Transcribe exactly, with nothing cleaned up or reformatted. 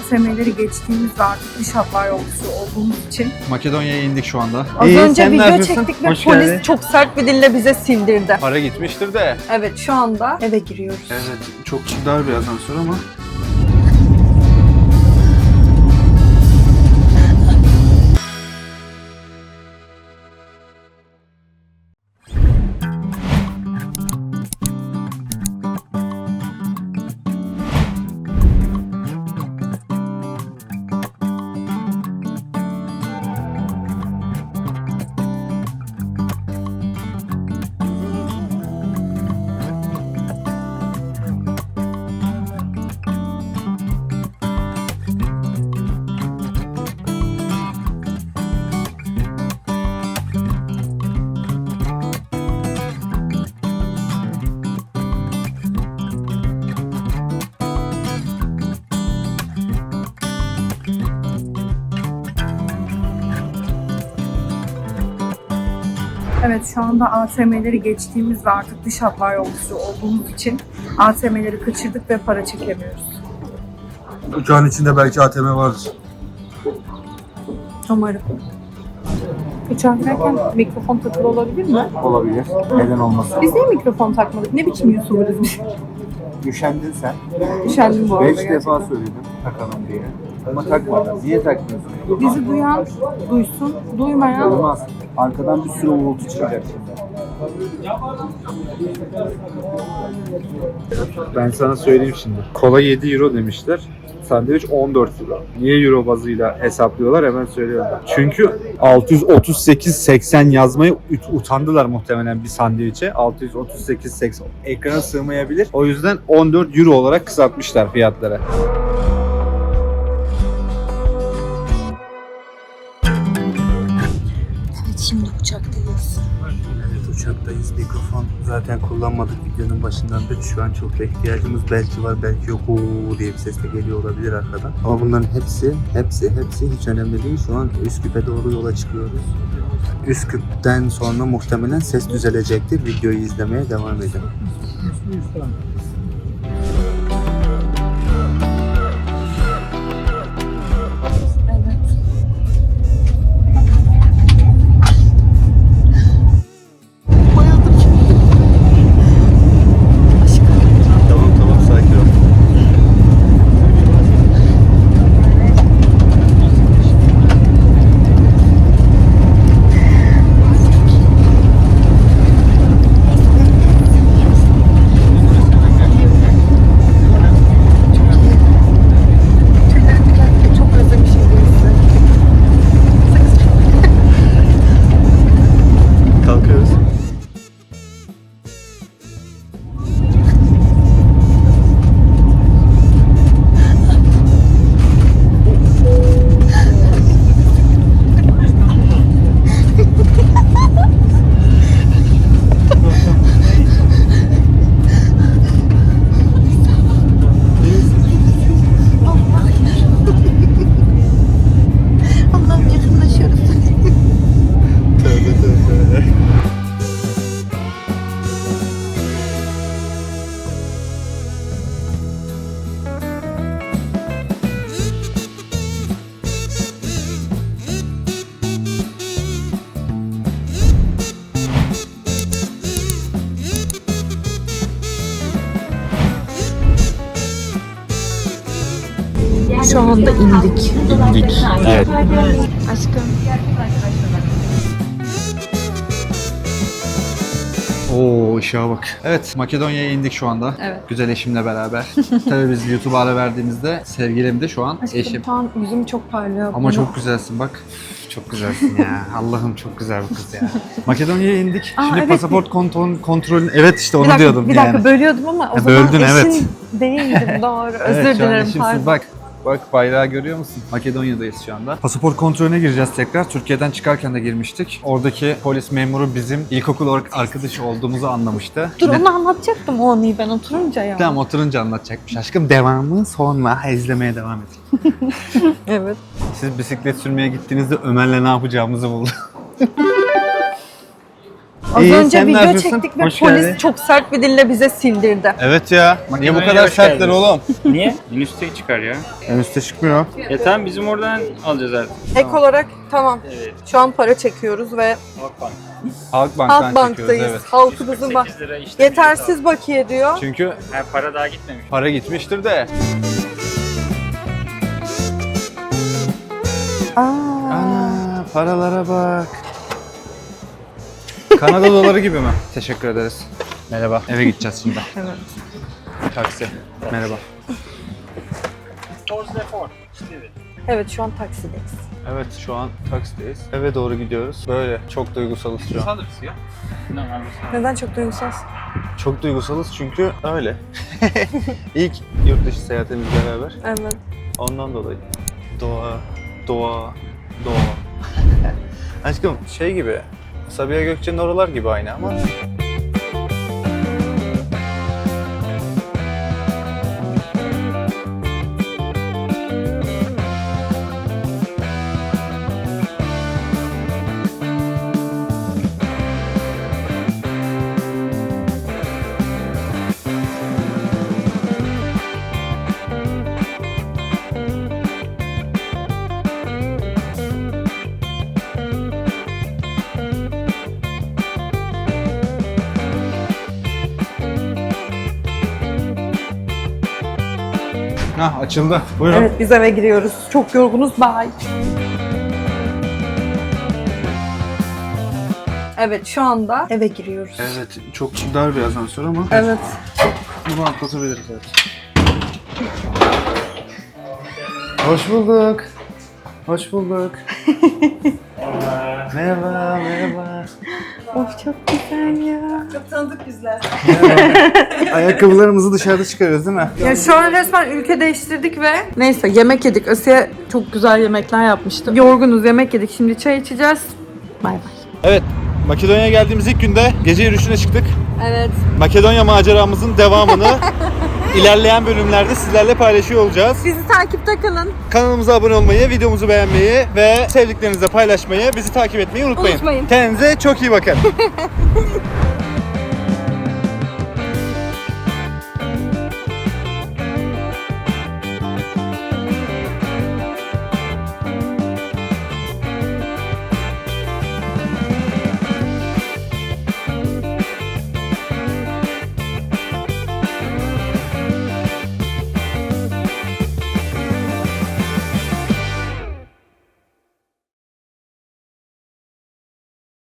T M'leri geçtiğimiz ve artık dış hatlar yolcusu olduğumuz için Makedonya'ya indik şu anda. az İyi, önce sen ne video yapıyorsun? çektik ve Hoş polis geldin. çok sert bir dille bize sildirdi. Para gitmiştir de. Evet, şu anda eve giriyoruz. Evet, çok dar bir asansör ama. Evet, şu anda A T M'leri geçtiğimiz ve artık dış hatlar yolcusu olduğumuz için A T M'leri kaçırdık ve para çekemiyoruz. Uçağın içinde belki A T M vardır. Umarım. Uçaktayken mikrofon takılı olabilir mi? Olabilir. Neden olmasın? Biz niye mikrofon takmadık? Ne biçim YouTuber'ız biz? Üşendin sen. Üşendim bu arada Beş gerçekten. defa söyledim takalım diye. Ama takmadın. Niye takmıyorsun? Bizi duyan duysun, duymayan Olmaz. Arkadan bir sürü uğultu çıkacak şimdi. Ben sana söyleyeyim şimdi. Kola yedi euro demişler. Sandviç on dört euro. Niye euro bazıyla hesaplıyorlar hemen söylüyorum. Çünkü altı yüz otuz sekiz seksen yazmayı utandılar muhtemelen bir sandviçe. altı yüz otuz sekiz seksen ekrana sığmayabilir. O yüzden on dört euro olarak kısaltmışlar fiyatları. Evet, şimdi uçaktayız. Evet, uçaktayız. Mikrofon zaten kullanmadık videonun başından beri. Şu an çok da ihtiyacımız belki var, belki yok ooo diye bir ses de geliyor olabilir arkadan. Ama bunların hepsi, hepsi, hepsi hiç önemli değil. Şu an Üsküp'e doğru yola çıkıyoruz. Üsküp'ten sonra muhtemelen ses düzelecektir. Videoyu izlemeye devam edin. Tamam tamam sakin ol. Çok özlemişim birisi. Kalkıyoruz. Allah'ım, yakınlaşıyoruz. Tövbe tövbe. Şu anda indik. İndik. Evet. Aşkım. Oo, ışığa bak. Evet, Makedonya'ya indik şu anda. Evet. Güzel eşimle beraber. Tabii biz YouTube'a ara verdiğimizde sevgilim de şu an Aşkım, eşim. şu an yüzüm çok parlıyor. Ama çok güzelsin bak. Çok güzelsin ya. Allah'ım çok güzel bu kız ya. Makedonya'ya indik. Aa, Şimdi evet. pasaport kontrol kontrolün. Evet işte onu bir dakika, diyordum bir yani. dakika bölüyordum ama o Ha, zaman böldün, eşin evet. değildim, doğru. Özür Evet, şu an dilerim, eşimsiz. pardon. Bak. Bak bayrağı görüyor musun? Makedonya'dayız şu anda. Pasaport kontrolüne gireceğiz tekrar. Türkiye'den çıkarken de girmiştik. Oradaki polis memuru bizim ilkokul or- arkadaşı olduğumuzu anlamıştı. Dur, Ne- onu anlatacaktım o anıyı ben oturunca ya. Tamam, oturunca anlatacakmış. Aşkım devamı sonra izlemeye devam edin. Evet. Siz bisiklet sürmeye gittiğinizde Ömer'le ne yapacağımızı bulduk. Az İyi, önce sen ne video yapıyorsun? çektik ve Hoş polis geldin. çok sert bir dille bize sildirdi. Evet ya. Niye bu Makedonya'ya kadar hoş sertler geldiniz. oğlum? Niye? En üstte çıkar ya. En üstte çıkmıyor. E tamam bizim oradan alacağız artık. Ek olarak tamam. Evet. Şu an para çekiyoruz ve Halkbank. Halkbank'tan Halkbank'tayız. çekiyoruz evet. Halkımızın bak. sekiz lira işte. Yetersiz bakiye diyor. Çünkü Ha, para daha gitmemiş. para gitmiştir de. Aa. Ana paralara bak. Kanada doları gibi mi? Teşekkür ederiz. Merhaba. Eve gideceğiz şimdi. Evet. Taksi. Merhaba. Evet şu an taksideyiz. Evet şu an taksideyiz. Eve doğru gidiyoruz. Böyle çok duygusalız şu an. Sanırız ya. Normal. Neden çok duygusal? Çok duygusalız çünkü öyle. İlk yurt dışı seyahatimizle beraber. Evet. Ondan dolayı. Doğa, doğa, doğa. Aşkım şey gibi, Sabiha Gökçen'in oralar gibi aynı ama. Hah açıldı. Buyurun. Evet biz eve giriyoruz. Çok yorgunuz. Bye. Evet şu anda eve giriyoruz. Evet çok dar bir asansör ama Evet. bunu atlatabiliriz evet. Hoş bulduk. Hoş bulduk. Merhaba, merhaba. Of çok güzel ya. Çok tanıdık bizler. Ayakkabılarımızı dışarıda çıkarıyoruz değil mi? Ya şu an resmen ülke değiştirdik ve neyse yemek yedik. Asiye çok güzel yemekler yapmıştı. Yorgunuz yemek yedik. Şimdi çay içeceğiz. Bay bay. Evet, Makedonya'ya geldiğimiz ilk günde gece yürüyüşüne çıktık. Evet. Makedonya maceramızın devamını ilerleyen bölümlerde sizlerle paylaşıyor olacağız. Bizi takipte kalın. Kanalımıza abone olmayı, videomuzu beğenmeyi ve sevdiklerinizle paylaşmayı, bizi takip etmeyi unutmayın. Unutmayın. Kendinize çok iyi bakın.